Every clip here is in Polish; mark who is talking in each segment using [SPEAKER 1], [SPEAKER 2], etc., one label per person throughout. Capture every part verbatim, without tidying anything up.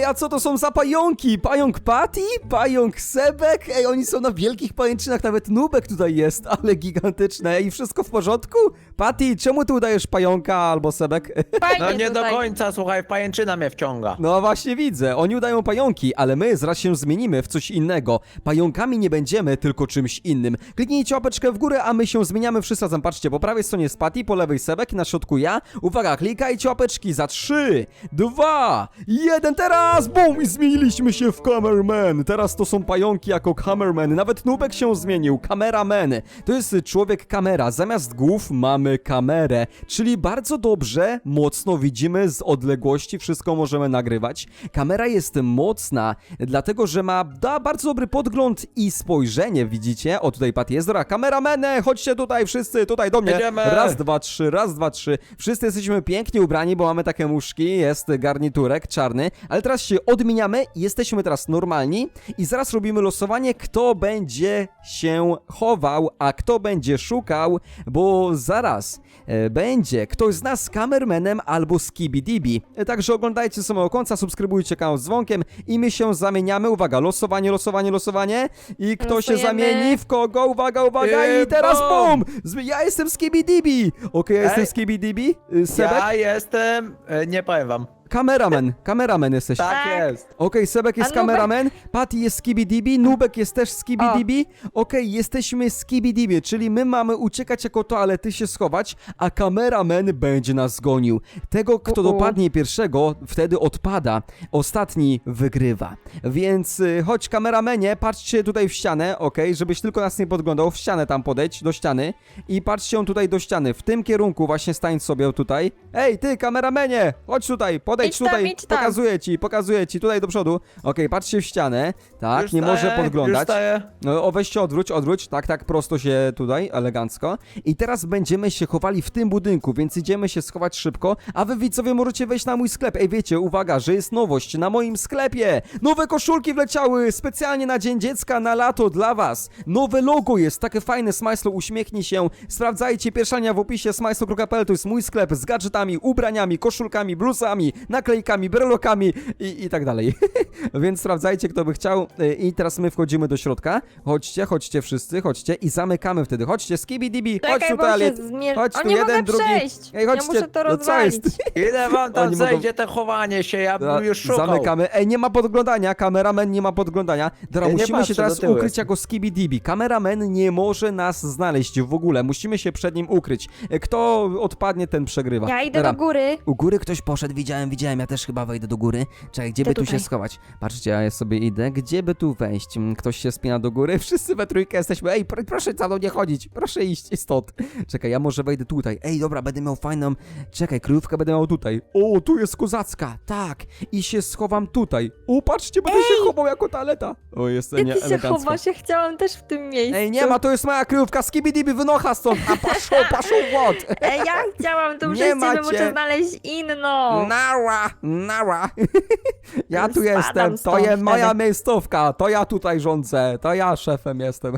[SPEAKER 1] a co to są za pająki? Pająk Patty? Pająk Sebek? Ej, oni są na wielkich pajęczynach, nawet Nubek tutaj jest, ale gigantyczne. I wszystko w porządku? Patty, czemu ty udajesz pająka albo Sebek?
[SPEAKER 2] Fajnie
[SPEAKER 3] No nie do
[SPEAKER 2] tutaj.
[SPEAKER 3] końca, słuchaj, pajęczyna mnie wciąga.
[SPEAKER 1] No właśnie widzę, oni udają pająki, ale my zaraz się zmienimy w coś innego. Pająkami nie będziemy, tylko czymś innym. Kliknijcie łapeczkę w górę, a my się zmieniamy wszyscy razem. Patrzcie, po prawej stronie jest Patty, po lewej Sebek i na środku ja. Uwaga, klikajcie łapeczki za trzy, dwa, jeden, teraz! Bum! I zmieniliśmy się w Cameraman. Teraz to są pająki jako Cameraman. Nawet Nubek się zmienił. Cameraman. To jest człowiek kamera. Zamiast głów mamy kamerę. Czyli bardzo dobrze, mocno widzimy z odległości. Wszystko możemy nagrywać. Kamera jest mocna, dlatego że ma da bardzo dobry podgląd i spojrzenie, widzicie? O, tutaj Patty jest. Dobra, kamerameny, chodźcie tutaj wszyscy, tutaj do mnie.
[SPEAKER 3] Jedziemy.
[SPEAKER 1] Raz, dwa, trzy, raz, dwa, trzy. Wszyscy jesteśmy pięknie ubrani, bo mamy takie muszki, jest garniturek czarny, ale teraz się odmieniamy, jesteśmy teraz normalni i zaraz robimy losowanie, kto będzie się chował, a kto będzie szukał, bo zaraz e, będzie ktoś z nas z kamermenem albo z Kibidibi. E, także oglądajcie samego końca, subskrybujcie kanał z dzwonkiem i my się zamieniamy. Uwaga, losowanie, losowanie, losowanie i kto się
[SPEAKER 2] Losujemy.
[SPEAKER 1] zamieni w kogo? Uwaga, uwaga i
[SPEAKER 3] I
[SPEAKER 1] teraz
[SPEAKER 3] bum!
[SPEAKER 1] bum! Z- Ja jestem z Kibidibi! Okej, ja jestem
[SPEAKER 3] Ej.
[SPEAKER 1] z Kibidibi. Y, Sebek?
[SPEAKER 3] Ja jestem, e, nie powiem wam.
[SPEAKER 1] Kameraman, kameraman jesteś.
[SPEAKER 3] Tak,
[SPEAKER 2] Tak.
[SPEAKER 3] jest.
[SPEAKER 1] Okej, Sebek jest
[SPEAKER 2] A Nubek?
[SPEAKER 1] kameraman, Patty jest Skibidibi, Nubek jest też Skibidibi. Okej, jesteśmy Skibidibi, czyli my mamy uciekać jako toalety, się schować, a kameraman będzie nas gonił. Tego, kto
[SPEAKER 2] U-u.
[SPEAKER 1] dopadnie pierwszego, wtedy odpada. Ostatni wygrywa. Więc y, chodź kameramenie, patrzcie tutaj w ścianę, okej, żebyś tylko nas nie podglądał, w ścianę tam podejdź, do ściany i patrzcie on tutaj do ściany, w tym kierunku właśnie stań sobie tutaj. Ej, ty kameramenie, chodź tutaj, podejdź
[SPEAKER 2] Idź tam,
[SPEAKER 1] tutaj,
[SPEAKER 2] idź tam.
[SPEAKER 1] pokazuję ci, pokazuję ci, tutaj do przodu. Okej, patrzcie w ścianę, tak,
[SPEAKER 3] Już
[SPEAKER 1] nie
[SPEAKER 3] staję,
[SPEAKER 1] może
[SPEAKER 3] Już
[SPEAKER 1] podglądać.
[SPEAKER 3] staję.
[SPEAKER 1] No, o, weź się odwróć, odwróć, tak, tak, prosto się tutaj, elegancko. I teraz będziemy się chowali w tym budynku, więc idziemy się schować szybko, a wy widzowie możecie wejść na mój sklep. Ej, wiecie, uwaga, że jest nowość na moim sklepie. Nowe koszulki wleciały specjalnie na Dzień Dziecka, na lato dla was. Nowe logo jest, takie fajne, Smajslo, uśmiechnij się. Sprawdzajcie, pierwsza linia w opisie, smajslo kropka p l, to jest mój sklep z gadżetami, ubraniami, koszulkami, bluzami, naklejkami, brelokami i, i tak dalej. Więc sprawdzajcie, kto by chciał. I teraz my wchodzimy do środka. Chodźcie, chodźcie wszyscy, chodźcie i zamykamy wtedy. Chodźcie, skibidibi, chodź
[SPEAKER 2] Czekaj,
[SPEAKER 1] tu
[SPEAKER 2] bo się
[SPEAKER 1] toalet.
[SPEAKER 2] zmier...
[SPEAKER 1] Chodź
[SPEAKER 2] O,
[SPEAKER 1] tu
[SPEAKER 2] nie
[SPEAKER 1] jeden,
[SPEAKER 2] mogę
[SPEAKER 1] drugi.
[SPEAKER 2] przejść.
[SPEAKER 1] Ej, chodźcie,
[SPEAKER 2] Ja muszę to
[SPEAKER 1] no co
[SPEAKER 2] rozwalić.
[SPEAKER 1] jest?
[SPEAKER 3] Ile wam tam
[SPEAKER 1] Oni mogą-
[SPEAKER 3] zejdzie te chowanie się, ja
[SPEAKER 1] Dobra,
[SPEAKER 3] bym już szukał.
[SPEAKER 1] zamykamy. Ej, nie ma podglądania, kameraman nie ma podglądania. Dobra,
[SPEAKER 3] Ja nie
[SPEAKER 1] musimy się
[SPEAKER 3] patrzę,
[SPEAKER 1] teraz
[SPEAKER 3] do tyłu
[SPEAKER 1] ukryć
[SPEAKER 3] jestem.
[SPEAKER 1] jako Skibidibi. Kameraman nie może nas znaleźć w ogóle. Musimy się przed nim ukryć. E, Kto odpadnie, ten przegrywa.
[SPEAKER 2] Ja idę
[SPEAKER 1] Dobra.
[SPEAKER 2] do góry.
[SPEAKER 1] U góry ktoś poszedł, widziałem, widziałem, ja też chyba wejdę do góry. Czekaj, gdzie
[SPEAKER 2] Idę
[SPEAKER 1] by tu
[SPEAKER 2] tutaj.
[SPEAKER 1] się schować? Patrzcie, ja sobie idę, gdzie by tu wejść? Mm, Ktoś się spina do góry, wszyscy we trójkę jesteśmy. Ej, pr proszę za mną nie chodzić, proszę iść stąd. Czekaj, ja może wejdę tutaj. Ej, dobra, będę miał fajną, czekaj, kryjówkę będę miał tutaj. O, tu jest kozacka, tak. I się schowam tutaj. O, patrzcie, będę się chował jako taleta. O, jest
[SPEAKER 2] Gdzie
[SPEAKER 1] nie
[SPEAKER 2] ty się
[SPEAKER 1] elegancko.
[SPEAKER 2] chowasz? Ja chciałam też w tym miejscu.
[SPEAKER 1] Ej, nie ma, to jest moja kryjówka, skibidibi, wynocha stąd. A paszą, paszą wod.
[SPEAKER 2] Ej, ja chciałam tą
[SPEAKER 1] Nie
[SPEAKER 2] przez ciebie,
[SPEAKER 1] macie.
[SPEAKER 2] muszę znaleźć inną.
[SPEAKER 1] Nara, nara. Ja tu
[SPEAKER 2] Spadam
[SPEAKER 1] jestem, to
[SPEAKER 2] stąd
[SPEAKER 1] jest moja
[SPEAKER 2] wtedy.
[SPEAKER 1] miejscówka, to ja tutaj rządzę, to ja szefem jestem.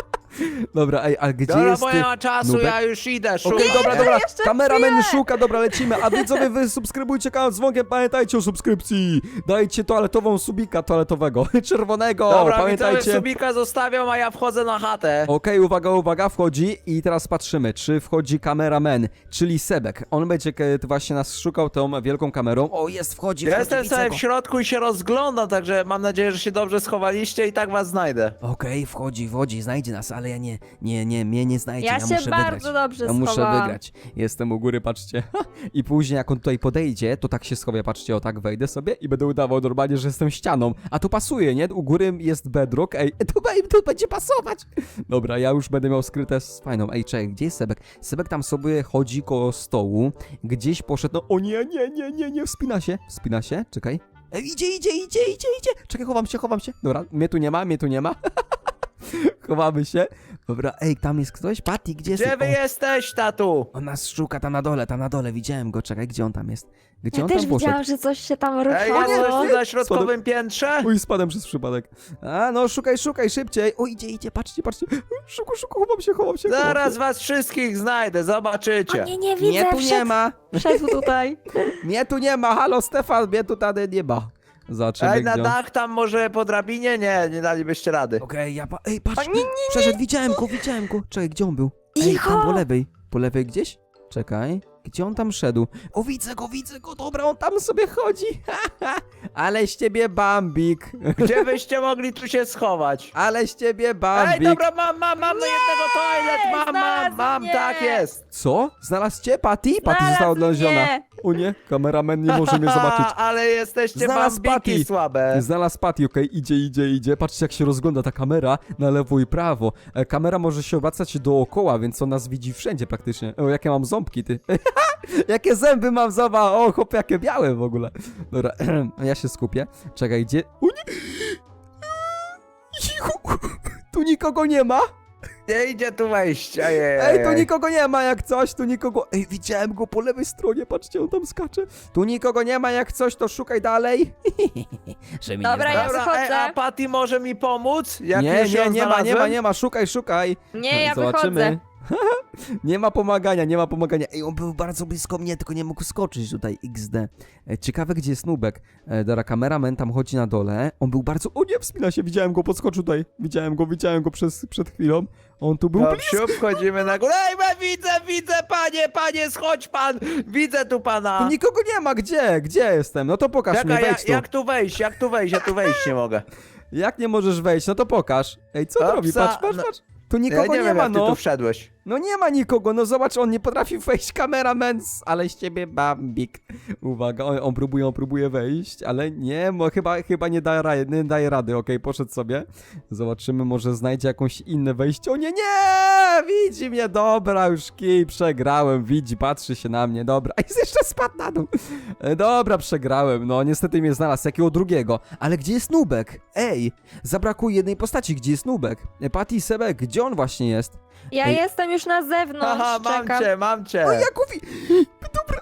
[SPEAKER 1] Dobra, ej, a gdzie
[SPEAKER 3] Dobra,
[SPEAKER 1] jest
[SPEAKER 3] bo
[SPEAKER 1] ty?
[SPEAKER 3] nie ma czasu,
[SPEAKER 1] Nubek?
[SPEAKER 3] ja już idę, szukam.
[SPEAKER 1] Okej, dobra, dobra,
[SPEAKER 2] jeszcze
[SPEAKER 1] kameraman
[SPEAKER 2] chwilę.
[SPEAKER 1] szuka, dobra, lecimy, a widzowie wy subskrybujcie kanał z dzwonkiem, pamiętajcie o subskrypcji, dajcie toaletową subika toaletowego, czerwonego,
[SPEAKER 3] Dobra,
[SPEAKER 1] pamiętajcie.
[SPEAKER 3] widzowie subika zostawiam, a ja wchodzę na chatę.
[SPEAKER 1] Okej, uwaga, uwaga, wchodzi i teraz patrzymy, czy wchodzi kameraman, czyli Sebek. On będzie k- właśnie nas szukał tą wielką kamerą. O, jest, wchodzi,
[SPEAKER 3] Ja
[SPEAKER 1] wchodzi,
[SPEAKER 3] jestem
[SPEAKER 1] widzę
[SPEAKER 3] sobie
[SPEAKER 1] go.
[SPEAKER 3] w środku i się rozglądam, także mam nadzieję, że się dobrze schowaliście i tak was znajdę.
[SPEAKER 1] Okej, wchodzi, wchodzi, znajdzie nas, ale ja nie, nie, nie, mnie nie znajdzie,
[SPEAKER 2] Ja
[SPEAKER 1] ja,
[SPEAKER 2] się
[SPEAKER 1] muszę
[SPEAKER 2] bardzo
[SPEAKER 1] wygrać.
[SPEAKER 2] dobrze
[SPEAKER 1] Ja muszę
[SPEAKER 2] schowałam.
[SPEAKER 1] wygrać. Jestem u góry, patrzcie. I później jak on tutaj podejdzie, to tak się schowię, patrzcie, o tak wejdę sobie i będę udawał normalnie, że jestem ścianą. A to pasuje, nie? U góry jest bedrock, ej, to, to będzie pasować. Dobra, ja już będę miał skryte z fajną. Ej, czekaj, gdzie jest Sebek? Sebek tam sobie chodzi koło stołu, gdzieś poszedł, no o nie, nie, nie, nie, nie, wspina się, wspina się, czekaj. Ej, idzie, idzie, idzie, idzie, idzie. Czekaj, chowam się, chowam się. Dobra, mnie tu nie ma, mnie tu nie ma. Chowamy się. Dobra, ej, tam jest ktoś? Patty, gdzie jest?
[SPEAKER 3] Gdzie wy
[SPEAKER 1] O,
[SPEAKER 3] jesteś, tatu?
[SPEAKER 1] on nas szuka tam na dole, tam na dole, widziałem go, czekaj, gdzie on tam jest? Gdzie
[SPEAKER 2] Ja
[SPEAKER 1] on
[SPEAKER 2] też
[SPEAKER 1] tam poszedł?
[SPEAKER 2] widziałam, że coś się tam
[SPEAKER 3] Ej,
[SPEAKER 2] ruszało.
[SPEAKER 3] jesteś tu na środkowym piętrze?
[SPEAKER 1] Uj, spadłem przez przypadek. A, no, szukaj, szukaj, szybciej. O, idzie, idzie, patrzcie, patrzcie. Szuku, szuku, chowam się, chowam się. chowam
[SPEAKER 3] Zaraz
[SPEAKER 1] się.
[SPEAKER 3] was wszystkich znajdę, zobaczycie.
[SPEAKER 2] O nie, nie widzę,
[SPEAKER 1] Mnie tu nie
[SPEAKER 2] wszedł,
[SPEAKER 1] ma,
[SPEAKER 2] wszedł tutaj.
[SPEAKER 1] mnie tu nie ma, halo Stefan, mnie tu tady nie ma. Zobaczymy,
[SPEAKER 3] Ej, na
[SPEAKER 1] gdzie on...
[SPEAKER 3] dach tam może po drabinie? Nie, nie dalibyście rady.
[SPEAKER 1] Okej, ja pa... Ej, patrz,
[SPEAKER 2] O, nie, nie,
[SPEAKER 1] przeszedł, widziałem go, widziałem go. Czekaj, gdzie on był? Ej,
[SPEAKER 2] Cicho!
[SPEAKER 1] tam po lewej. Po lewej gdzieś? Czekaj, gdzie on tam szedł? O, widzę go, widzę go, dobra, on tam sobie chodzi. Ale z ciebie Bambik.
[SPEAKER 3] Gdzie byście mogli tu się schować?
[SPEAKER 1] Ale z ciebie
[SPEAKER 3] Ej,
[SPEAKER 1] Bambik.
[SPEAKER 3] dobra, mam, mam, mam jednego toilet, mam, mam,
[SPEAKER 2] znalazł
[SPEAKER 3] mam,
[SPEAKER 2] mnie.
[SPEAKER 3] tak jest.
[SPEAKER 1] Co? Znalazł cię, Patty? Patty
[SPEAKER 2] Znalazł
[SPEAKER 1] została odnaleziona.
[SPEAKER 2] mnie.
[SPEAKER 1] O nie, kameraman nie może mnie zobaczyć.
[SPEAKER 3] Ale jesteście
[SPEAKER 1] Znalazł
[SPEAKER 3] bambiki
[SPEAKER 1] Patty.
[SPEAKER 3] słabe.
[SPEAKER 1] Znalazł Patty, okej, idzie, idzie, idzie. Patrzcie, jak się rozgląda ta kamera na lewo i prawo. E, kamera może się obracać dookoła, więc on nas widzi wszędzie praktycznie. O, jakie mam ząbki, ty. Jakie zęby mam, zobacz. O, chłop, jakie białe w ogóle. Dobra, ja się skupię. Czekaj, gdzie... O nie! Cicho! Tu nikogo nie ma.
[SPEAKER 3] Nie idzie tu wejść. Ej, ej,
[SPEAKER 1] Ej, tu
[SPEAKER 3] ej.
[SPEAKER 1] nikogo nie ma jak coś, tu nikogo... Ej, widziałem go po lewej stronie, patrzcie, on tam skacze. Tu nikogo nie ma jak coś, to szukaj dalej. Że mi nie
[SPEAKER 2] Dobra, ja
[SPEAKER 1] znalazł.
[SPEAKER 3] Dobra, ej,
[SPEAKER 2] wychodzę.
[SPEAKER 3] a Patty może mi pomóc? Jak
[SPEAKER 1] Nie,
[SPEAKER 3] już
[SPEAKER 1] nie,
[SPEAKER 3] ją
[SPEAKER 1] nie ma, nie ma,
[SPEAKER 3] znalazłem?
[SPEAKER 1] nie ma, szukaj, szukaj.
[SPEAKER 2] Nie, ja
[SPEAKER 1] Zobaczymy.
[SPEAKER 2] wychodzę.
[SPEAKER 1] Nie ma pomagania, nie ma pomagania. Ej, on był bardzo blisko mnie, tylko nie mógł skoczyć tutaj, iks de. E, ciekawe, gdzie jest Nubek. E, dobra, kameraman tam chodzi na dole. On był bardzo... O nie, wspina się, widziałem go, podskoczył tutaj. Widziałem go, widziałem go przez, przed chwilą. On tu był
[SPEAKER 3] No,
[SPEAKER 1] blisko.
[SPEAKER 3] wsiup, wchodzimy na górę. Ej, we, widzę, widzę, panie, panie, schodź pan. Widzę tu pana.
[SPEAKER 1] Tu nikogo nie ma, gdzie? Gdzie jestem? No to pokaż
[SPEAKER 3] Czekaj,
[SPEAKER 1] mnie,
[SPEAKER 3] ja,
[SPEAKER 1] wejdź tu.
[SPEAKER 3] jak tu wejść, jak tu wejść, ja tu wejść nie mogę.
[SPEAKER 1] Jak nie możesz wejść? No to pokaż. Ej, co on
[SPEAKER 3] Opsa,
[SPEAKER 1] robi? Patrz, patrz,
[SPEAKER 3] no-
[SPEAKER 1] patrz. Tu
[SPEAKER 3] Ja
[SPEAKER 1] nikogo
[SPEAKER 3] nie,
[SPEAKER 1] nie,
[SPEAKER 3] wiem,
[SPEAKER 1] ma,
[SPEAKER 3] jak ty
[SPEAKER 1] no.
[SPEAKER 3] tu wszedłeś.
[SPEAKER 1] No nie ma nikogo, no zobacz, on nie potrafi wejść, kameraman, ale z ciebie Bambik. Uwaga, on, on próbuje, on próbuje wejść, ale nie, bo chyba, chyba nie, da, ra- nie daje rady, okej, poszedł sobie. Zobaczymy, może znajdzie jakąś inne wejście. O nie, nie, widzi mnie, dobra, już kij, przegrałem, widzi, patrzy się na mnie, dobra. A jest jeszcze spadł na dół. E, Dobra, przegrałem, no niestety mnie znalazł, jakiego drugiego. Ale gdzie jest Nubek? Ej, zabrakło jednej postaci, gdzie jest Nubek? E, Patty i Sebek, gdzie on właśnie jest?
[SPEAKER 2] Ja
[SPEAKER 1] Ej.
[SPEAKER 2] jestem już na zewnątrz,
[SPEAKER 3] Haha, mam
[SPEAKER 2] czekam.
[SPEAKER 3] cię, mam cię.
[SPEAKER 1] O, Jakubi! Dobra.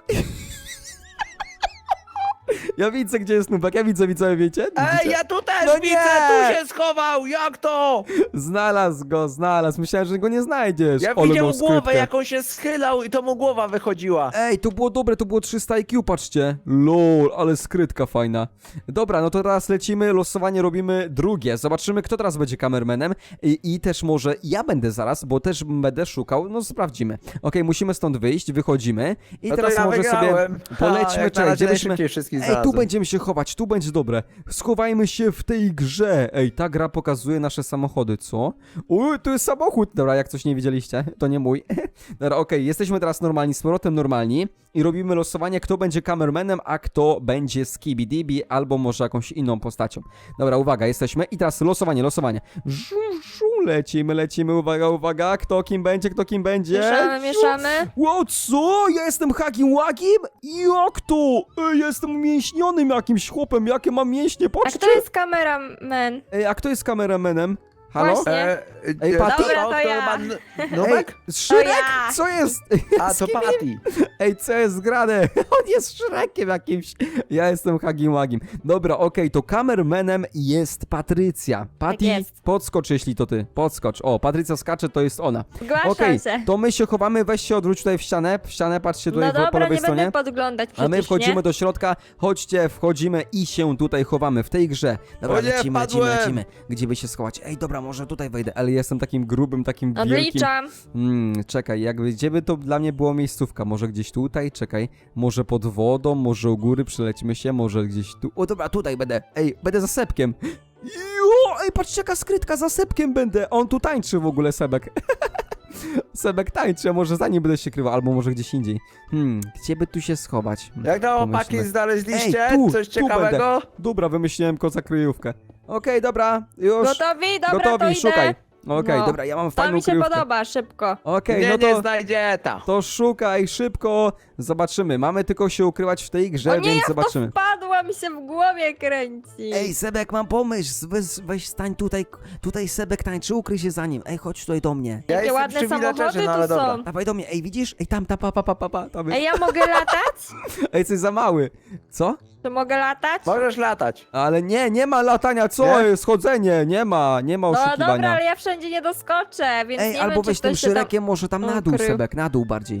[SPEAKER 1] Ja widzę, gdzie jest Nubek, ja widzę, widzę, wiecie?
[SPEAKER 3] Ej,
[SPEAKER 1] Widzicie?
[SPEAKER 3] ja tu też
[SPEAKER 1] No
[SPEAKER 3] widzę,
[SPEAKER 1] nie!
[SPEAKER 3] tu się schował, jak to?
[SPEAKER 1] Znalazł go, znalazł. Myślałem, że go nie znajdziesz.
[SPEAKER 3] Ja
[SPEAKER 1] Ale
[SPEAKER 3] widział
[SPEAKER 1] miał
[SPEAKER 3] głowę,
[SPEAKER 1] skrytkę.
[SPEAKER 3] jak on się schylał i to mu głowa wychodziła.
[SPEAKER 1] Ej, to było dobre, to było trzysta I Q, patrzcie. Lol, ale skrytka fajna. Dobra, no to teraz lecimy, losowanie robimy drugie. Zobaczymy, kto teraz będzie kamermanem. I, i też może ja będę zaraz, bo też będę szukał, no sprawdzimy. Okej, musimy stąd wyjść, wychodzimy. I
[SPEAKER 3] No to
[SPEAKER 1] teraz
[SPEAKER 3] ja
[SPEAKER 1] może
[SPEAKER 3] wygrałem.
[SPEAKER 1] sobie polećmy,
[SPEAKER 3] Ha, jak na
[SPEAKER 1] czekaj,
[SPEAKER 3] razie
[SPEAKER 1] gdzie byśmy...
[SPEAKER 3] najszybciej wszystkich
[SPEAKER 1] Ej, tu
[SPEAKER 3] znalazłem.
[SPEAKER 1] będziemy się chować, tu będzie dobre. Schowajmy się w tej grze. Ej, ta gra pokazuje nasze samochody, co? Uj, tu jest samochód. Dobra, jak coś nie widzieliście, to nie mój. Dobra, okej, jesteśmy teraz normalni, z powrotem normalni i robimy losowanie, kto będzie kamermanem, a kto będzie Skibidi albo może jakąś inną postacią. Dobra, uwaga, jesteśmy i teraz losowanie, losowanie. Żu, żu, lecimy, lecimy, uwaga, uwaga, kto kim będzie, kto kim będzie.
[SPEAKER 2] Mieszamy, mieszamy.
[SPEAKER 1] Ło, co? Ja jestem Hagim Łagim? Jak to? Ej, ja jestem umięśnionym jakimś chłopem, jakie mam mięśnie,
[SPEAKER 2] A
[SPEAKER 1] patrzcie.
[SPEAKER 2] kto jest kameraman?
[SPEAKER 1] Ej, a kto jest kameramanem? Halo?
[SPEAKER 2] Właśnie.
[SPEAKER 3] E,
[SPEAKER 1] Ej,
[SPEAKER 3] e,
[SPEAKER 1] Patty?
[SPEAKER 2] Dobra, to
[SPEAKER 3] to
[SPEAKER 2] ja.
[SPEAKER 3] chyba N-
[SPEAKER 1] Ej,
[SPEAKER 3] Nubek?
[SPEAKER 1] Szrek?
[SPEAKER 2] To ja.
[SPEAKER 1] Co jest?
[SPEAKER 3] A, to Patty.
[SPEAKER 1] Ej, co jest grane? On jest Szrekiem jakimś. Ja jestem Hagim Łagim. Dobra, okej, to kamermanem jest Patrycja. Patty,
[SPEAKER 2] jest.
[SPEAKER 1] podskocz, jeśli to ty. Podskocz. O, Patrycja skacze, to jest ona.
[SPEAKER 2] Zgłaszam
[SPEAKER 1] Okej,
[SPEAKER 2] się.
[SPEAKER 1] to my się chowamy, weź się odwróć tutaj w ścianę. W ścianę, patrzcie tutaj
[SPEAKER 2] No
[SPEAKER 1] po, po
[SPEAKER 2] dobra,
[SPEAKER 1] lewej
[SPEAKER 2] nie
[SPEAKER 1] stronie.
[SPEAKER 2] będę podglądać przecież,
[SPEAKER 1] A my wchodzimy
[SPEAKER 2] nie?
[SPEAKER 1] do środka, chodźcie, wchodzimy i się tutaj chowamy w tej grze. Dobra,
[SPEAKER 3] O nie,
[SPEAKER 1] lecimy, lecimy,
[SPEAKER 3] wpadłem.
[SPEAKER 1] lecimy. Gdzie by się schować? Ej, dobra, może tutaj wejdę, ale jestem takim grubym, takim wielkim.
[SPEAKER 2] Odliczam.
[SPEAKER 1] Mm, czekaj, jakby gdzie by to dla mnie było miejscówka? Może gdzieś tutaj? Czekaj, może pod wodą, może u góry przylecimy się, może gdzieś tu. O dobra, tutaj będę. Ej, będę za Sebkiem. Jo, ej, patrzcie jaka skrytka, za Sebkiem będę. On tu tańczy w ogóle, Sebek. Sebek tańczy, a może za nim będę się krywał, albo może gdzieś indziej. Hmm, gdzie by tu się schować? Hmm,
[SPEAKER 3] Jak to
[SPEAKER 1] pomyślmy.
[SPEAKER 3] chłopaki znaleźliście?
[SPEAKER 1] Ej, tu,
[SPEAKER 3] Coś
[SPEAKER 1] tu
[SPEAKER 3] ciekawego?
[SPEAKER 1] Dobra, wymyśliłem koza kryjówkę. Okej, dobra, już.
[SPEAKER 2] Gotowi? Dobra, to
[SPEAKER 1] Gotowi,
[SPEAKER 2] idę.
[SPEAKER 1] szukaj. Okej,
[SPEAKER 2] No.
[SPEAKER 1] dobra, ja mam
[SPEAKER 2] To
[SPEAKER 1] fajną
[SPEAKER 2] mi się
[SPEAKER 1] kryjówkę.
[SPEAKER 2] podoba, szybko.
[SPEAKER 1] Okej,
[SPEAKER 3] Nie,
[SPEAKER 1] no
[SPEAKER 3] nie
[SPEAKER 1] to...
[SPEAKER 3] znajdzie ta.
[SPEAKER 1] To szukaj szybko, zobaczymy. Mamy tylko się ukrywać w tej grze,
[SPEAKER 2] O nie,
[SPEAKER 1] więc
[SPEAKER 2] jak
[SPEAKER 1] zobaczymy.
[SPEAKER 2] to wpadła, mi się w głowie kręci.
[SPEAKER 1] Ej, Sebek, mam pomysł. Weź, weź stań tutaj, tutaj Sebek tańczy, ukryj się za nim. Ej, chodź tutaj do mnie.
[SPEAKER 3] Ja
[SPEAKER 2] Jakie
[SPEAKER 3] jestem
[SPEAKER 2] ładne
[SPEAKER 3] przy
[SPEAKER 2] samochody
[SPEAKER 3] villagerze, no
[SPEAKER 2] tu
[SPEAKER 3] ale dobra.
[SPEAKER 2] są.
[SPEAKER 1] Dawaj do mnie, ej, widzisz? Ej, tam, ta, pa, pa, pa, pa, pa, tam jest.
[SPEAKER 2] Ej, ja mogę latać?
[SPEAKER 1] Ej, jesteś za mały. Co?
[SPEAKER 2] Czy mogę latać?
[SPEAKER 3] Możesz latać.
[SPEAKER 1] Ale nie, nie ma latania, co?
[SPEAKER 3] Nie?
[SPEAKER 1] jest chodzenie, nie ma, nie ma
[SPEAKER 2] No
[SPEAKER 1] oszukiwania.
[SPEAKER 2] dobra, ale ja wszędzie nie doskoczę, więc
[SPEAKER 1] Ej,
[SPEAKER 2] nie
[SPEAKER 1] albo
[SPEAKER 2] wiem, czy
[SPEAKER 1] weź tym
[SPEAKER 2] ktoś się tam...
[SPEAKER 1] Szrekiem, może tam na dół,
[SPEAKER 2] ukrył.
[SPEAKER 1] Sebek, na dół bardziej.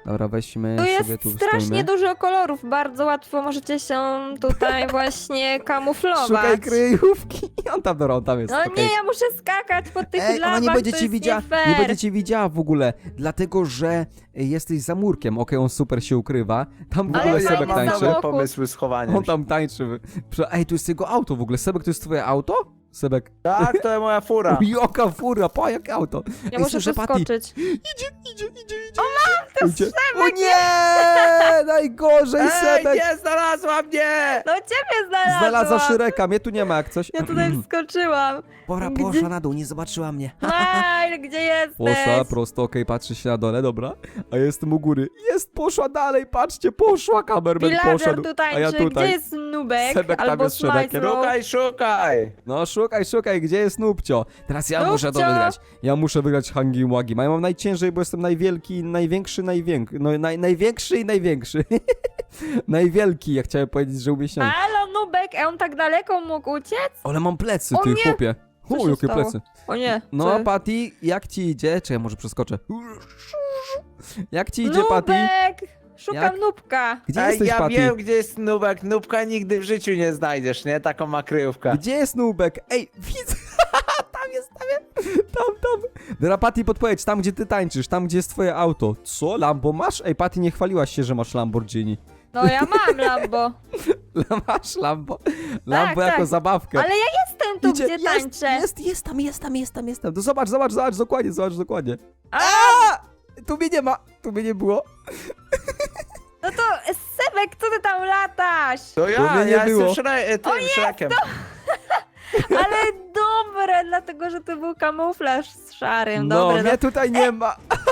[SPEAKER 1] Dobra, weźmy
[SPEAKER 2] Tu
[SPEAKER 1] sobie
[SPEAKER 2] jest
[SPEAKER 1] tu
[SPEAKER 2] strasznie
[SPEAKER 1] stoimy.
[SPEAKER 2] dużo kolorów, bardzo łatwo możecie się tutaj właśnie kamuflować.
[SPEAKER 1] Szukaj kryjówki. On tam, dobra, on tam jest.
[SPEAKER 2] No
[SPEAKER 1] okej.
[SPEAKER 2] nie, ja muszę skakać po tych
[SPEAKER 1] Ej, ona
[SPEAKER 2] lawach,
[SPEAKER 1] nie będzie
[SPEAKER 2] to
[SPEAKER 1] cię
[SPEAKER 2] jest
[SPEAKER 1] widziała,
[SPEAKER 2] nie fair.
[SPEAKER 1] nie będzie cię widziała w ogóle, dlatego że y, jesteś za murkiem. Okej, on super się ukrywa. Tam w
[SPEAKER 2] Ale
[SPEAKER 1] ogóle
[SPEAKER 2] fajny
[SPEAKER 1] Sebek
[SPEAKER 2] samochód.
[SPEAKER 1] tańczy.
[SPEAKER 3] dobre pomysły z chowaniem
[SPEAKER 1] On
[SPEAKER 3] się.
[SPEAKER 1] tam tańczy. Prze- Ej, to jest jego auto w ogóle. Sebek, to jest twoje auto? Sebek.
[SPEAKER 3] Tak, to jest moja fura.
[SPEAKER 1] Jaka fura, pa, jakie auto.
[SPEAKER 2] Ja
[SPEAKER 1] Ej,
[SPEAKER 2] muszę
[SPEAKER 1] słyszę, Patty.
[SPEAKER 2] przeskoczyć.
[SPEAKER 1] Idzie, idzie, idzie, idzie. O mam, to idzie. O nie! Najgorzej,
[SPEAKER 3] Ej,
[SPEAKER 1] Sebek.
[SPEAKER 3] nie, znalazła mnie!
[SPEAKER 2] No ciebie znalazłam.
[SPEAKER 1] Znalazła Szyreka, mnie tu nie ma jak coś.
[SPEAKER 2] Ja tutaj wskoczyła.
[SPEAKER 1] Pora,
[SPEAKER 2] Gdzie-
[SPEAKER 1] poszła na dół, nie zobaczyła mnie.
[SPEAKER 2] Smile, gdzie jesteś?
[SPEAKER 1] Poszła prosto, okej, patrzy się na dole, dobra. A ja jestem u góry. Jest, poszła dalej, patrzcie, poszła, kamerman
[SPEAKER 2] Pilager
[SPEAKER 1] poszedł.
[SPEAKER 2] tu
[SPEAKER 1] A
[SPEAKER 2] tańczy.
[SPEAKER 1] ja tutaj.
[SPEAKER 2] Gdzie jest Nubek?
[SPEAKER 1] Sebek tam
[SPEAKER 2] Albo
[SPEAKER 1] jest Shrekiem.
[SPEAKER 2] Smile.
[SPEAKER 3] Szukaj, szukaj!
[SPEAKER 1] No szukaj, szukaj, gdzie jest Nubcio? Teraz ja muszę to
[SPEAKER 2] Nubcio!
[SPEAKER 1] wygrać. Ja muszę wygrać Hangi Wagi. Ja mam najciężej, bo jestem najwielki, największy, największy. No naj, największy i największy. Najwielki, ja chciałem powiedzieć, że umieśniony.
[SPEAKER 2] Halo, Nubek, a on tak daleko mógł uciec?
[SPEAKER 1] Ale mam plecy,
[SPEAKER 2] O
[SPEAKER 1] ty
[SPEAKER 2] nie!
[SPEAKER 1] chłopie.
[SPEAKER 2] Co
[SPEAKER 1] O,
[SPEAKER 2] się
[SPEAKER 1] jakie
[SPEAKER 2] stało?
[SPEAKER 1] plecy.
[SPEAKER 2] O nie.
[SPEAKER 1] No,
[SPEAKER 2] co?
[SPEAKER 1] Patty, jak ci idzie? Czy ja może przeskoczę? Jak ci idzie, Patty?
[SPEAKER 2] Nubek! Szukam
[SPEAKER 1] Jak?
[SPEAKER 2] Nubka.
[SPEAKER 1] Gdzie
[SPEAKER 3] Ej,
[SPEAKER 1] jesteś,
[SPEAKER 3] ja
[SPEAKER 1] Patty?
[SPEAKER 3] wiem, gdzie jest Nubek. Nubka nigdy w życiu nie znajdziesz, nie? Taką ma kryjówkę.
[SPEAKER 1] Gdzie jest Nubek? Ej, widzę! Tam jest, tam jest! Tam, tam! Dobra, Patty, podpowiedź, tam gdzie ty tańczysz, tam gdzie jest twoje auto. Co? Lambo masz? Ej, Patty, nie chwaliłaś się, że masz Lamborghini.
[SPEAKER 2] No ja mam Lambo.
[SPEAKER 1] Masz Lambo? Lambo
[SPEAKER 2] tak.
[SPEAKER 1] jako zabawkę.
[SPEAKER 2] Ale ja jestem tu,
[SPEAKER 1] Idzie,
[SPEAKER 2] gdzie
[SPEAKER 1] jest,
[SPEAKER 2] tańczę.
[SPEAKER 1] jest, jest tam, jest tam, jest tam, jest tam. To zobacz, zobacz, zobacz dokładnie, zobacz dokładnie.
[SPEAKER 2] A,
[SPEAKER 1] Tu mnie nie ma, tu mnie nie było.
[SPEAKER 2] no to Sebek, co ty tam latasz?
[SPEAKER 3] To
[SPEAKER 1] To
[SPEAKER 3] ja,
[SPEAKER 1] mnie nie
[SPEAKER 3] ja
[SPEAKER 1] było.
[SPEAKER 3] jestem szre, e, tym szrekiem.
[SPEAKER 2] Ale dobre, dlatego że to był kamuflaż z szarym.
[SPEAKER 1] No,
[SPEAKER 2] Dobre,
[SPEAKER 1] mnie tutaj nie ma.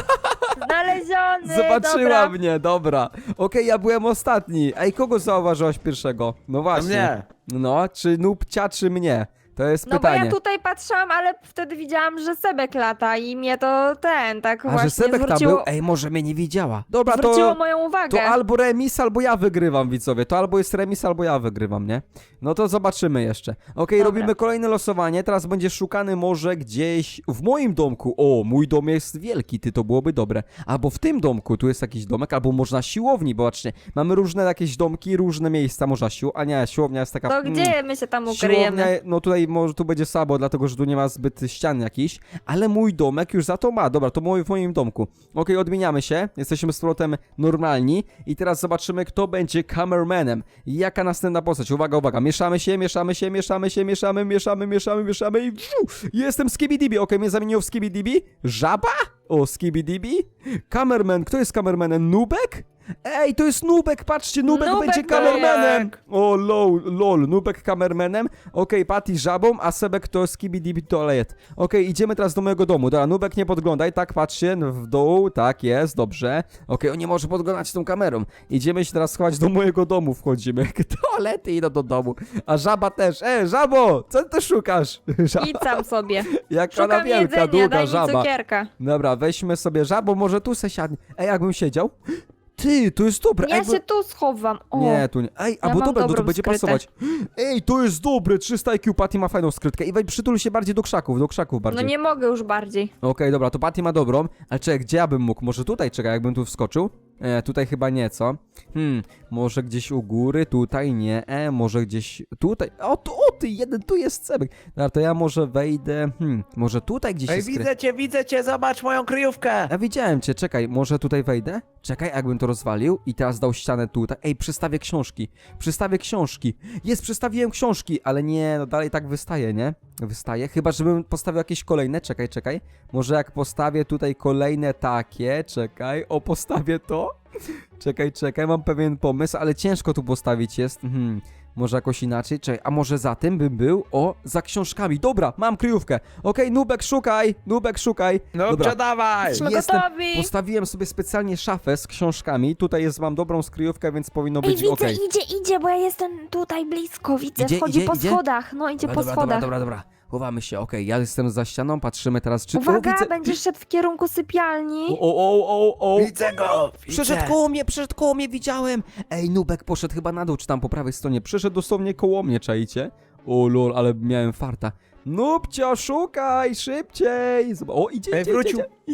[SPEAKER 2] no, znaleziony.
[SPEAKER 1] Zobaczyła
[SPEAKER 2] dobra.
[SPEAKER 1] mnie, dobra. Okej, ja byłem ostatni. Ej, kogo zauważyłaś pierwszego? No
[SPEAKER 3] To
[SPEAKER 1] właśnie.
[SPEAKER 3] mnie.
[SPEAKER 1] No, czy Nubcia, czy mnie? To jest
[SPEAKER 2] No bo
[SPEAKER 1] pytanie.
[SPEAKER 2] ja tutaj patrzyłam, ale wtedy widziałam, że Sebek lata i mnie to ten, tak
[SPEAKER 1] A
[SPEAKER 2] właśnie
[SPEAKER 1] że Sebek tam
[SPEAKER 2] zwróciło,
[SPEAKER 1] był? Ej, może mnie nie widziała. Dobra,
[SPEAKER 2] zwróciło
[SPEAKER 1] to...
[SPEAKER 2] moją uwagę.
[SPEAKER 1] To albo remis, albo ja wygrywam, widzowie. To albo jest remis, albo ja wygrywam, nie? No to zobaczymy jeszcze. Okej,
[SPEAKER 2] Dobra.
[SPEAKER 1] robimy kolejne losowanie. Teraz będzie szukany może gdzieś w moim domku. O, mój dom jest wielki, ty, to byłoby dobre. Albo w tym domku, tu jest jakiś domek, albo można siłowni, bo patrzcie, mamy różne jakieś domki, różne miejsca, można sił... A nie, siłownia jest taka...
[SPEAKER 2] To
[SPEAKER 1] mm,
[SPEAKER 2] gdzie my się tam
[SPEAKER 1] Siłownia,
[SPEAKER 2] ukryjemy?
[SPEAKER 1] no tutaj może tu będzie słabo, dlatego że tu nie ma zbyt ścian jakichś, ale mój domek już za to ma. Dobra, to mój w moim domku. Okej, odmieniamy się, jesteśmy z powrotem normalni i teraz zobaczymy, kto będzie kamermanem. Jaka następna postać? Uwaga, uwaga, mieszamy się, mieszamy się, mieszamy się, mieszamy, mieszamy, mieszamy, mieszamy i wziu, jestem Skibidibi. Okej, mnie zamieniło w Skibidibi. Żaba? O, Skibidibi. Kamerman, kto jest kamermanem? Nubek? Ej, to jest Nubek, patrzcie, Nubek,
[SPEAKER 2] Nubek
[SPEAKER 1] będzie
[SPEAKER 2] to
[SPEAKER 1] kamermanem. O, lol, lol, Nubek kamermanem. Okej, Patty żabą, a Sebek to Skibidi Toilet. Okej, idziemy teraz do mojego domu. Dobra, Nubek, nie podglądaj, tak, patrzcie, w dół, tak jest, dobrze. Okej, on nie może podglądać tą kamerą. Idziemy się teraz schować do mojego domu, wchodzimy. Toalety idą do domu. A żaba też. E, żabo, co ty szukasz? Żaba,
[SPEAKER 2] Idź sam sobie.
[SPEAKER 1] jak ona
[SPEAKER 2] Szukam
[SPEAKER 1] wielka,
[SPEAKER 2] jedzenia,
[SPEAKER 1] długa
[SPEAKER 2] daj mi
[SPEAKER 1] żaba.
[SPEAKER 2] cukierka.
[SPEAKER 1] Dobra, weźmy sobie żabo, może tu se siadnie. Ej, jakbym siedział? Ty, to jest dobre.
[SPEAKER 2] Ja
[SPEAKER 1] Ej, bo-
[SPEAKER 2] się tu schowam. O,
[SPEAKER 1] Nie, tu nie. Ej, a
[SPEAKER 2] Ja
[SPEAKER 1] bo
[SPEAKER 2] mam
[SPEAKER 1] dobra, no to
[SPEAKER 2] dobrą
[SPEAKER 1] będzie
[SPEAKER 2] skrytę.
[SPEAKER 1] pasować. Ej, to jest dobre, trzysta I Q, Patty ma fajną skrytkę. I weź przytul się bardziej do krzaków, do krzaków
[SPEAKER 2] no
[SPEAKER 1] bardziej.
[SPEAKER 2] nie mogę już bardziej.
[SPEAKER 1] Okej, dobra, to Patty ma dobrą, ale czekaj, gdzie ja bym mógł? Może tutaj, czekaj, jakbym tu wskoczył? E, tutaj chyba nie, co? Hmm, może gdzieś u góry, tutaj nie, e, może gdzieś tutaj. O, tu, o ty, jeden, tu jest Sebek. Dobra, to ja może wejdę, hmm, może tutaj gdzieś
[SPEAKER 3] Ej,
[SPEAKER 1] jest skry...
[SPEAKER 3] widzę cię, widzę cię, zobacz moją kryjówkę.
[SPEAKER 1] Ja widziałem cię, czekaj, może tutaj wejdę? Czekaj, jakbym to rozwalił i teraz dał ścianę tutaj. Ej, przystawię książki, przystawię książki. Jest, przystawiłem książki, ale nie, no dalej tak wystaje, nie? Wystaje, chyba żebym postawił jakieś kolejne, czekaj, czekaj. Może jak postawię tutaj kolejne takie, czekaj, o, postawię to. Czekaj, czekaj, mam pewien pomysł, ale ciężko tu postawić jest. Hmm. Może jakoś inaczej? Czekaj, a może za tym bym był? O, za książkami. Dobra, mam kryjówkę. Okej, Nubek, szukaj! Nubek, szukaj!
[SPEAKER 3] No,
[SPEAKER 1] Dobra.
[SPEAKER 3] dawaj.
[SPEAKER 2] Jesteśmy
[SPEAKER 1] Jestem,
[SPEAKER 2] gotowi.
[SPEAKER 1] postawiłem sobie specjalnie szafę z książkami. Tutaj jest, mam dobrą skryjówkę, więc powinno
[SPEAKER 2] Ej,
[SPEAKER 1] być
[SPEAKER 2] widzę,
[SPEAKER 1] okej.
[SPEAKER 2] idzie, idzie, bo ja jestem tutaj blisko, widzę,
[SPEAKER 1] Idzie,
[SPEAKER 2] wchodzi
[SPEAKER 1] idzie,
[SPEAKER 2] po
[SPEAKER 1] idzie?
[SPEAKER 2] schodach, no idzie
[SPEAKER 1] Dobra,
[SPEAKER 2] po
[SPEAKER 1] dobra,
[SPEAKER 2] schodach.
[SPEAKER 1] dobra, dobra, dobra. Chowamy się, okej. Ja jestem za ścianą, patrzymy teraz, czy...
[SPEAKER 2] Uwaga,
[SPEAKER 1] o, widzę...
[SPEAKER 2] będziesz szedł w kierunku sypialni.
[SPEAKER 1] O, o, o, o, o.
[SPEAKER 3] Widzę go,
[SPEAKER 1] Przeszedł
[SPEAKER 3] widzę.
[SPEAKER 1] koło mnie, przeszedł koło mnie, widziałem! Ej, Nubek poszedł chyba na dół, czy tam po prawej stronie. Przeszedł dosłownie koło mnie, czaicie? O lol, ale miałem farta. Nubcio, szukaj, szybciej! Zob- O, idzie,
[SPEAKER 3] Ej,
[SPEAKER 1] idzie,
[SPEAKER 3] wrócił.
[SPEAKER 1] idzie, idzie.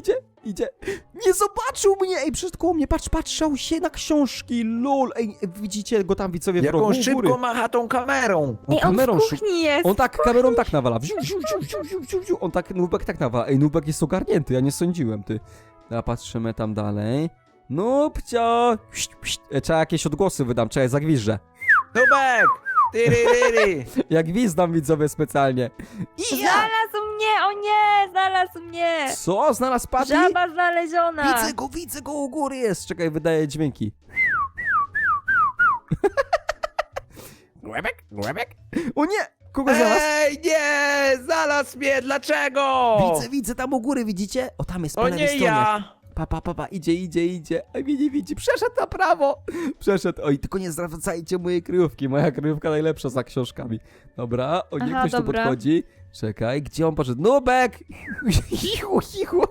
[SPEAKER 1] idzie. Nie zobaczył mnie! Ej, przed koło mnie, patrz, patrzał się na książki, lol. Ej, widzicie go tam, widzowie, w rogu
[SPEAKER 3] Jaką
[SPEAKER 1] u
[SPEAKER 3] szybko
[SPEAKER 1] góry.
[SPEAKER 3] macha tą kamerą.
[SPEAKER 1] On
[SPEAKER 2] Ej, on
[SPEAKER 1] kamerą
[SPEAKER 2] w
[SPEAKER 1] szuka.
[SPEAKER 2] kuchni jest.
[SPEAKER 1] On tak kamerą tak nawala. Wziu, wziu, wziu, wziu, wziu, wziu, wziu. On tak, Nubek tak nawala. Ej, Nubek jest ogarnięty, ja nie sądziłem, ty. Dobra, patrzymy tam dalej. Nubcio! Pszt, pszt. E, Trzeba jakieś odgłosy wydam, czekaj, zagwiżdżę.
[SPEAKER 3] Nubek! Tyryryry!
[SPEAKER 1] Jak gwizdam, widzowie, specjalnie. I ja!
[SPEAKER 2] Znalazł mnie, o nie, znalazł mnie.
[SPEAKER 1] Co? Znalazł Patty?
[SPEAKER 2] Żaba znaleziona.
[SPEAKER 1] Widzę go, widzę go, u góry jest. Czekaj, wydaje dźwięki. Głębek, głębek. O nie! Kogo znalazł?
[SPEAKER 3] Ej, nie! Znalazł mnie, dlaczego?
[SPEAKER 1] Widzę, widzę, tam u góry, widzicie? O, tam jest po
[SPEAKER 3] O
[SPEAKER 1] lewej
[SPEAKER 3] nie
[SPEAKER 1] stronie.
[SPEAKER 3] ja!
[SPEAKER 1] Pa, pa, pa, pa, idzie, idzie, idzie. A mnie nie widzi. Przeszedł na prawo. Przeszedł. Oj, tylko nie zwracajcie mojej kryjówki. Moja kryjówka najlepsza za książkami. Dobra, o nie,
[SPEAKER 2] Aha,
[SPEAKER 1] ktoś tu
[SPEAKER 2] dobra.
[SPEAKER 1] podchodzi. Czekaj, gdzie on poszedł? Nubek! Chichu, chichu.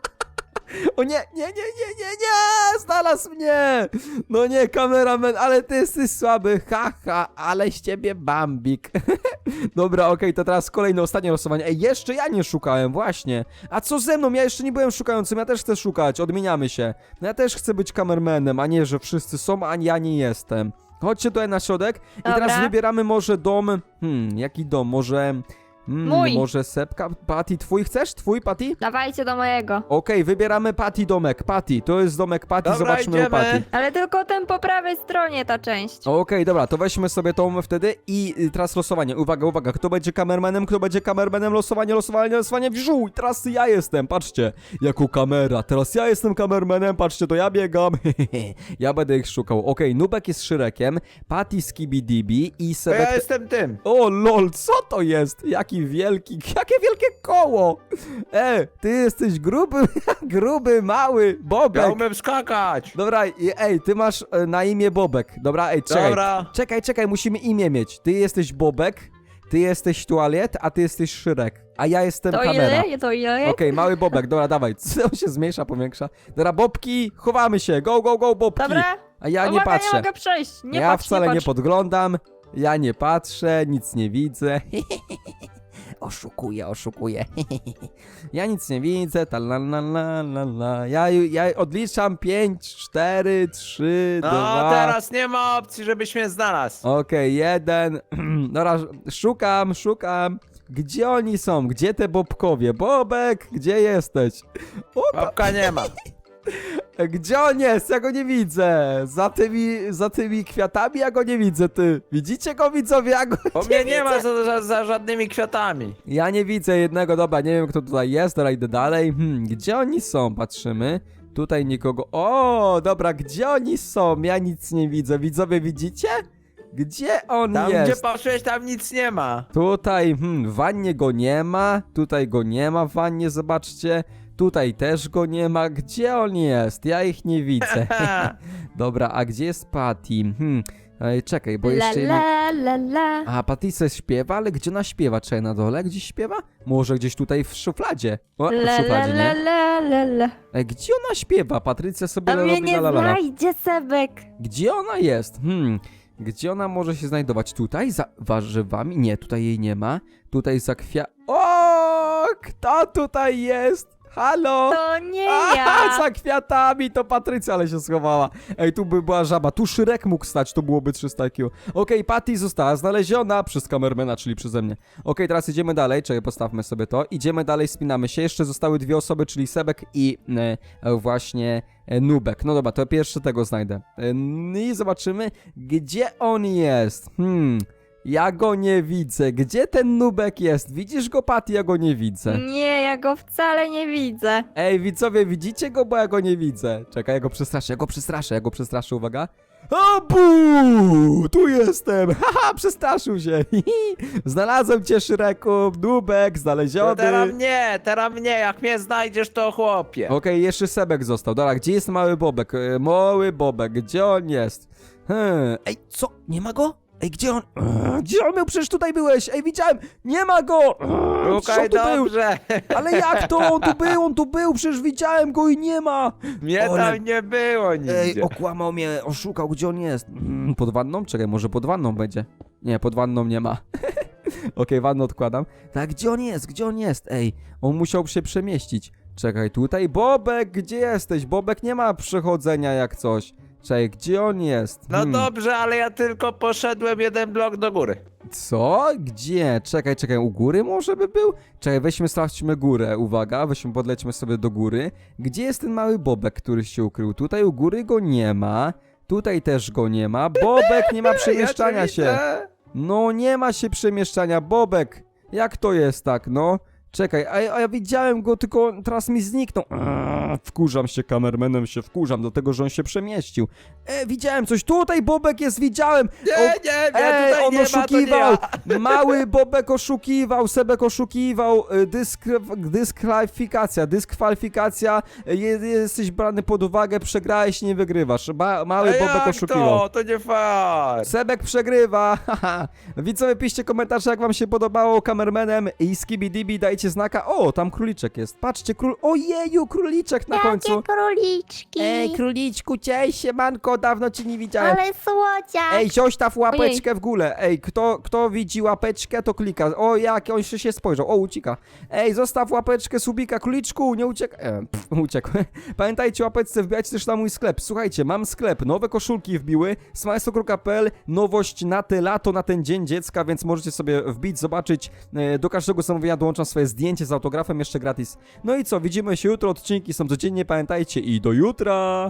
[SPEAKER 1] O nie, nie, nie, nie, nie, nie! Znalazł mnie! No nie, kameraman, ale ty jesteś słaby. Haha, ha, ale z ciebie bambik. Dobra, okej, to teraz kolejne, ostatnie losowanie. Ej, jeszcze ja nie szukałem, właśnie. A co ze mną? Ja jeszcze nie byłem szukającym, ja też chcę szukać, odmieniamy się. No ja też chcę być kamermanem, a nie, że wszyscy są, a ja nie jestem. Chodźcie tutaj na środek i
[SPEAKER 2] Dobra.
[SPEAKER 1] teraz wybieramy może dom. Hmm, jaki dom? Może... Hmm,
[SPEAKER 2] Mój.
[SPEAKER 1] Może Sepka? Patty, twój chcesz? Twój, Patty?
[SPEAKER 2] Dawajcie do mojego.
[SPEAKER 1] Okej, wybieramy Patty domek. Patty, to jest domek Patty,
[SPEAKER 3] Dobra,
[SPEAKER 1] zobaczmy u
[SPEAKER 3] idziemy.
[SPEAKER 1] Patty.
[SPEAKER 2] Ale tylko ten po prawej stronie ta część.
[SPEAKER 1] Okej, dobra, to weźmy sobie tą wtedy i y, teraz losowanie. Uwaga, uwaga, kto będzie kamermanem, kto będzie kamermanem, losowanie, losowanie, losowanie, wziół. I teraz ja jestem, patrzcie, jako kamera. Teraz ja jestem kamermanem, patrzcie, to ja biegam. Ja będę ich szukał. Okej, Nubek jest Shrekiem, Patty Skibidibi i
[SPEAKER 3] To ja
[SPEAKER 1] Sebek...
[SPEAKER 3] jestem tym.
[SPEAKER 1] O lol, co to jest? Jaki wielki, jakie wielkie koło! E, ty jesteś gruby, gruby, mały, Bobek.
[SPEAKER 3] Ja umiem skakać.
[SPEAKER 1] Dobra, i- ej, ty masz e, na imię Bobek. Dobra, ej, czekaj.
[SPEAKER 3] Dobra.
[SPEAKER 1] Czekaj, czekaj, musimy imię mieć. Ty jesteś Bobek, ty jesteś Tualet, a ty jesteś Szyrek. A ja jestem
[SPEAKER 2] To
[SPEAKER 1] kamera.
[SPEAKER 2] ile? To ile?
[SPEAKER 1] Okej, mały Bobek, dobra, dawaj. Co, on się zmniejsza, powiększa? Dobra, Bobki, chowamy się. Go, go, go, Bobki.
[SPEAKER 2] Dobra.
[SPEAKER 1] A ja nie
[SPEAKER 2] Uwaga,
[SPEAKER 1] patrzę.
[SPEAKER 2] nie mogę przejść. Nie
[SPEAKER 1] ja
[SPEAKER 2] patrz,
[SPEAKER 1] wcale
[SPEAKER 2] nie,
[SPEAKER 1] nie,
[SPEAKER 2] patrz.
[SPEAKER 1] podglądam. Ja nie patrzę, nic nie widzę. Oszukuję, oszukuję. Ja nic nie widzę. Ta la la la la la. Ja, ja odliczam pięć, cztery, trzy,
[SPEAKER 3] No,
[SPEAKER 1] dwa.
[SPEAKER 3] teraz nie ma opcji, żebyś mnie znalazł.
[SPEAKER 1] Okej, jeden. Dobra, szukam, szukam. Gdzie oni są? Gdzie te Bobkowie? Bobek, gdzie jesteś? O, ta,
[SPEAKER 3] Babka nie ma.
[SPEAKER 1] gdzie on jest? Ja go nie widzę. Za tymi, za tymi kwiatami ja go nie widzę, ty. Widzicie go, widzowie? Ja go
[SPEAKER 3] Bo mnie nie ma za, za, za żadnymi kwiatami.
[SPEAKER 1] Ja nie widzę jednego, dobra, nie wiem kto tutaj jest, dobra, idę dalej. Hmm, gdzie oni są? Patrzymy. Tutaj nikogo. O, dobra, gdzie oni są? Ja nic nie widzę. Widzowie, widzicie? Gdzie on
[SPEAKER 3] Tam
[SPEAKER 1] jest?
[SPEAKER 3] gdzie patrzyłeś, tam nic nie ma.
[SPEAKER 1] Tutaj, hmm, w wannie go nie ma. Tutaj go nie ma w wannie, zobaczcie. Tutaj też go nie ma. Gdzie on jest? Ja ich nie widzę. Dobra, a gdzie jest Patty? Hmm, ej, czekaj, bo
[SPEAKER 2] La
[SPEAKER 1] jeszcze... jedna-
[SPEAKER 2] la la la.
[SPEAKER 1] A, Patrycja śpiewa, ale gdzie ona śpiewa? Czy na dole gdzieś śpiewa? Może gdzieś tutaj w szufladzie? O, w
[SPEAKER 2] La la
[SPEAKER 1] szufladzie,
[SPEAKER 2] la
[SPEAKER 1] nie?
[SPEAKER 2] la la la.
[SPEAKER 1] Ej, gdzie ona śpiewa? Patrycja sobie
[SPEAKER 2] A mnie
[SPEAKER 1] robi
[SPEAKER 2] nie
[SPEAKER 1] la la la.
[SPEAKER 2] znajdzie, Sebek.
[SPEAKER 1] Gdzie ona jest? Hmm, gdzie ona może się znajdować? Tutaj? Za warzywami? Nie, tutaj jej nie ma. Tutaj za kwia... O, kto tutaj jest? Halo?
[SPEAKER 2] To nie
[SPEAKER 1] A,
[SPEAKER 2] ja.
[SPEAKER 1] za kwiatami to Patrycja, ale się schowała. Ej, tu by była żaba. Tu Szyrek mógł stać, to byłoby trzysta Q. Okej, Patty została znaleziona przez kamermana, czyli przeze mnie. Okej, teraz idziemy dalej. Czekaj, postawmy sobie to. Idziemy dalej, spinamy się. Jeszcze zostały dwie osoby, czyli Sebek i e, właśnie e, Nubek. No dobra, to pierwszy tego znajdę. E, I zobaczymy, gdzie on jest. Hmm... Ja go nie widzę. Gdzie ten Nubek jest? Widzisz go, Patty? Ja go nie widzę.
[SPEAKER 2] Nie, ja go wcale nie widzę.
[SPEAKER 1] Ej, widzowie, widzicie go? Bo ja go nie widzę. Czekaj, ja go przestraszę, ja go przestraszę, ja go przestraszę, uwaga. O, bu! Tu jestem! Haha, przestraszył się. Znalazłem cię, Szreku, Nubek,
[SPEAKER 3] To
[SPEAKER 1] znaleziony.
[SPEAKER 3] teraz mnie, teraz mnie, jak mnie znajdziesz, to chłopie.
[SPEAKER 1] Okej, jeszcze Sebek został. Dobra, gdzie jest mały Bobek? E, Mały Bobek, gdzie on jest? Hmm. Ej, co? Nie ma go? Ej, gdzie on? Eee, Gdzie on był? Przecież tutaj byłeś. Ej, widziałem. Nie ma go. Eee, przecież
[SPEAKER 3] Szukaj
[SPEAKER 1] on tu był.
[SPEAKER 3] dobrze.
[SPEAKER 1] Ale jak to? On tu był, on tu był. Przecież widziałem go i nie ma.
[SPEAKER 3] Mnie
[SPEAKER 1] Ale-
[SPEAKER 3] tam nie było nigdzie.
[SPEAKER 1] Ej, okłamał mnie, oszukał, gdzie on jest? Mm, pod wanną? Czekaj, może pod wanną będzie. Nie, pod wanną nie ma. Okej, wannę odkładam. Tak, gdzie on jest? Gdzie on jest? Ej, on musiał się przemieścić. Czekaj, tutaj Bobek, gdzie jesteś? Bobek nie ma przechodzenia jak coś. Czekaj, gdzie on jest?
[SPEAKER 3] No
[SPEAKER 1] Hmm.
[SPEAKER 3] dobrze, ale ja tylko poszedłem jeden blok do góry.
[SPEAKER 1] Co? Gdzie? Czekaj, czekaj, u góry może by był? Czekaj, weźmy, sprawdźmy górę, uwaga, weźmy, podlećmy sobie do góry. Gdzie jest ten mały Bobek, który się ukrył? Tutaj u góry go nie ma, tutaj też go nie ma. Bobek nie ma przemieszczania
[SPEAKER 3] ja cię
[SPEAKER 1] się.
[SPEAKER 3] widzę.
[SPEAKER 1] No nie ma się przemieszczania, Bobek. Jak to jest tak, no? Czekaj, a, a ja widziałem go, tylko teraz mi zniknął. Eee, wkurzam się, kamermanem się wkurzam, dlatego że on się przemieścił. E, widziałem coś, tutaj Bobek jest, widziałem.
[SPEAKER 3] Nie,
[SPEAKER 1] O,
[SPEAKER 3] nie, nie,
[SPEAKER 1] Ej,
[SPEAKER 3] tutaj
[SPEAKER 1] on
[SPEAKER 3] nie ma, to nie
[SPEAKER 1] oszukiwał!
[SPEAKER 3] ja.
[SPEAKER 1] Mały Bobek oszukiwał, Sebek oszukiwał, y, dysk, dyskwalifikacja, dyskwalifikacja, y, je- jesteś brany pod uwagę, przegrałeś, nie wygrywasz. Ba, mały
[SPEAKER 3] Ej,
[SPEAKER 1] Bobek
[SPEAKER 3] jak
[SPEAKER 1] oszukiwał.
[SPEAKER 3] to? To nie fair.
[SPEAKER 1] Sebek przegrywa, haha. Widzowie, piszcie komentarze, jak wam się podobało kamermenem i Skibidibi, dajcie znaka. O, tam króliczek jest, patrzcie, król... Ojeju, króliczek na końcu.
[SPEAKER 2] Jakie króliczki.
[SPEAKER 1] Ej, króliczku, cześć, siemanko, dawno cię nie widziałem.
[SPEAKER 2] Ale słodziak.
[SPEAKER 1] Ej, zostaw łapeczkę w górę. Ej, kto, kto widzi łapeczkę, to klika. O, jak on się, się spojrzał. O, ucieka. Ej, zostaw łapeczkę, subika, króliczku, nie uciek... E, pff, uciekł. Pamiętajcie, łapeczce, wbijajcie też na mój sklep. Słuchajcie, mam sklep, nowe koszulki wbiły, smajsto kropka p l, nowość na te lato, na ten dzień dziecka, więc możecie sobie wbić, zobaczyć. E, do każdego zamówienia dołączam swoje zdjęcie z autografem, jeszcze gratis. No i co, widzimy się jutro, odcinki są codziennie, pamiętajcie i do jutra!